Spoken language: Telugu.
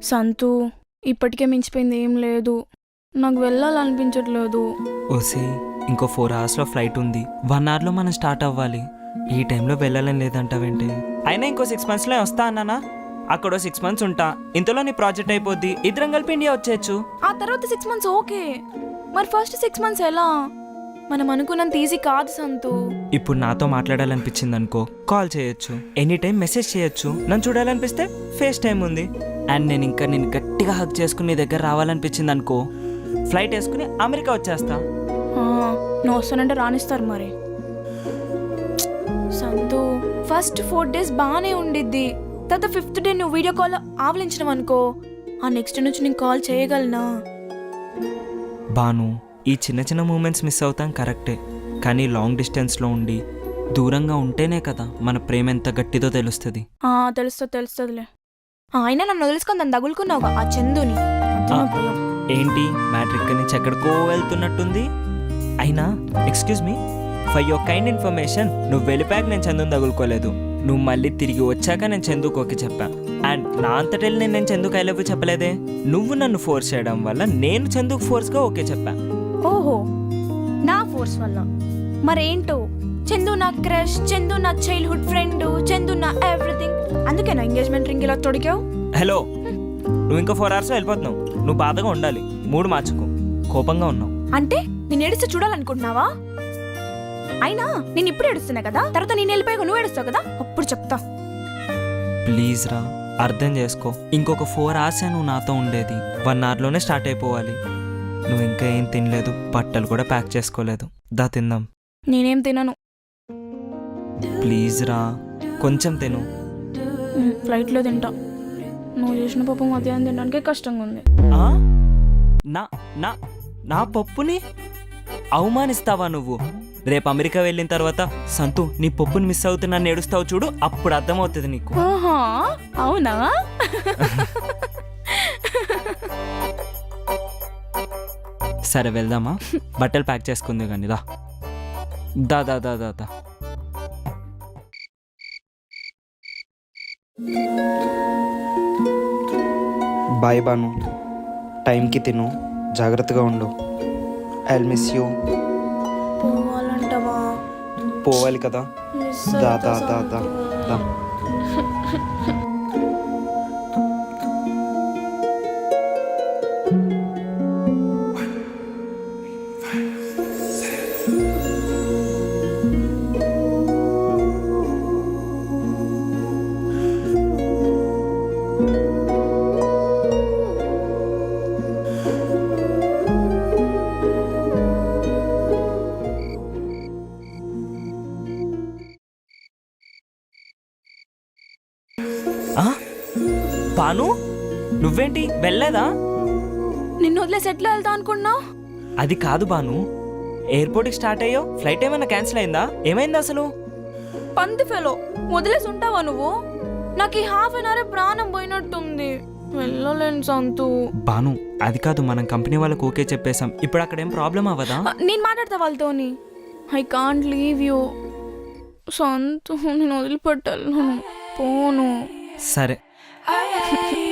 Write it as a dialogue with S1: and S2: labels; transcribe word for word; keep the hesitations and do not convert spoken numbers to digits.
S1: సంతు ఇప్పటికే మించిపోయింది ఏం లేదు, నాకు వెళ్ళాలనిపించట్లేదు.
S2: ఓసి ఇంకో ఫోర్ అవర్స్లో ఫ్లైట్ ఉంది, వన్ అవర్లో మనం స్టార్ట్ అవ్వాలి. ఈ టైంలో వెళ్ళాలని లేదంటావేంటి? అయినా ఇంకో సిక్స్ మంత్స్లో వస్తా అన్నానా? అక్కడ సిక్స్ మంత్స్ ఉంటా, ఇంతలో నీ ప్రాజెక్ట్ అయిపోద్ది, ఇద్దరం కలిపి ఇండియా వచ్చేయచ్చు.
S1: ఆ తర్వాత సిక్స్ మంత్స్ ఓకే, మరి ఫస్ట్ సిక్స్ మంత్స్ ఎలా? మనం అనుకున్నంత ఈజీ కాదు సంతు.
S2: ఇప్పుడు నాతో మాట్లాడాలనిపించింది అనుకో, కాల్ చేయొచ్చు, ఎనీ టైం మెసేజ్ చేయొచ్చు. నన్ను చూడాలనిపిస్తే ఫేస్ టైం ఉంది. అండ్ నేను ఇంకా నేను గట్టిగా హక్ చేసుకుని నీ దగ్గర రావాలనిపించింది అనుకో, ఫ్లైట్ వేసుకుని అమెరికా వచ్చేస్తా.
S1: నువ్వు వస్తానంటే రానిస్తారు మరి. సంతు ఫస్ట్ ఫోర్ డేస్ బాగానే ఉండిద్ది, తర్వాత ఫిఫ్త్ డే నువ్వు వీడియో కాల్ ఆవలించడం అనుకో, ఆ నెక్స్ట్ నుంచి నేను కాల్ చేయగలనా?
S2: బాను, ఈ చిన్న చిన్న మూమెంట్స్ మిస్ అవుతాం కరెక్టే, కానీ లాంగ్ డిస్టెన్స్లో ఉండి దూరంగా ఉంటేనే కదా మన ప్రేమ ఎంత గట్టిదో తెలుస్తుంది.
S1: తెలుస్తుంది తెలుస్తుందిలే. అయినా నన్ను వదిలేసుకొని దాన్ని తగులుకున్నావుగా ఆ చందుని.
S2: ఏంటి మ్యాటర్ ఇక్కడి నుంచి ఎక్కడికో వెళ్తున్నట్టుంది. అయినా excuse me, for your kind information, నువ్వు వెళ్ళిపోయాక నేను చందుని తగులుకోలేదు, నువ్వు మళ్ళీ తిరిగి వచ్చాక నేను చందుకు ఓకే చెప్పా. అండ్ నా అంతటెళ్ళి నేను నేను చందుకు ఐ లవ్ యూ చెప్పలేదే, నువ్వు నన్ను ఫోర్స్ చేయడం వల్ల నేను చందుకు ఫోర్స్గా ఓకే చెప్పా.
S1: ఓహో, నా ఫోర్స్ వల్ల? మరేంటో, చందు నా క్రష్, చందు నా చైల్డ్హుడ్ ఫ్రెండ్, చందు నా ఎవ్రీథింగ్, అందుకే నా ఎంగేజ్మెంట్ రింగ్ ఇలా తొడిగావు.
S2: హలో, నువ్వు ఇంకా ఫోర్ అవర్స్లో వెళ్ళిపోతున్నావు, నువ్వు బాధగా ఉండాలి, మూడు మార్చుకో. కోపంగా ఉన్నావు
S1: అంటే నేను ఏడిస్తే చూడాలనుకుంటున్నావా? అయినా నేను ఇప్పుడు ఏడుస్తున్నా కదా, తర్వాత నేను వెళ్ళిపోయాక నువ్వు ఏడుస్తావు కదా, అప్పుడు చెప్తా.
S2: ప్లీజ్ రా, అర్థం చేసుకో. ఇంకొక ఫోర్ అవర్సే నువ్వు నాతో ఉండేది, వన్ అవర్లోనే స్టార్ట్ అయిపోవాలి. నువ్వు ఇంకా ఏం తినలేదు, బట్టలు కూడా ప్యాక్ చేసుకోలేదు, దా తిందాం.
S1: నేనేం తినను.
S2: ప్లీజ్ రా, కొంచెం తిను.
S1: ఫ్లైట్లో తింటా, నువ్వు చేసిన పప్పు మధ్యాహ్నం తినడానికే కష్టంగా ఉంది.
S2: నా నా నా పప్పుని అవమానిస్తావా నువ్వు? రేపు అమెరికా వెళ్ళిన తర్వాత సంతు నీ పప్పుని మిస్ అవుతున్నాను ఏడుస్తావు చూడు, అప్పుడు అర్థమవుతుంది నీకు.
S1: అవునా?
S2: సరే వెళ్దామా, బట్టలు ప్యాక్ చేసుకుంది కానీ దా దా దా దా దా దా బాయ్ బాను, టైంకి తిను, జాగ్రత్తగా ఉండు. I will miss you.
S1: పోవాలంటవా?
S2: పోవాలి కదా, దా దా దా దా దా. బాను, నువ్వేంటి వెళ్ళలేదా?
S1: నిన్ను వదిలేసి ఎట్లా వెళ్తా అనుకున్నావు?
S2: అది కాదు బాను, ఎయిర్పోర్ట్కి స్టార్ట్ అయ్యో, ఫ్లైట్ ఏమైనా క్యాన్సిల్ అయిందా? ఏమైంది అసలు?
S1: పంది ఫెలో, వదిలేసి ఉంటావా నువ్వు? నాకు ఈ హాఫ్ అన్ అవర్ ప్రాణం పోయినట్టుంది, వెళ్ళలేను సంతు.
S2: బాను, అది కాదు, మనం కంపెనీ వాళ్ళకి ఓకే చెప్పేశాం, ఇప్పుడు అక్కడ ఏం ప్రాబ్లం అవ్వదా?
S1: నేను మాట్లాడతా వాళ్ళతోని. ఐ కాంట్ లీవ్ యూ సంతు, నేను వదిలిపెట్టాను, పోను.
S2: సరే.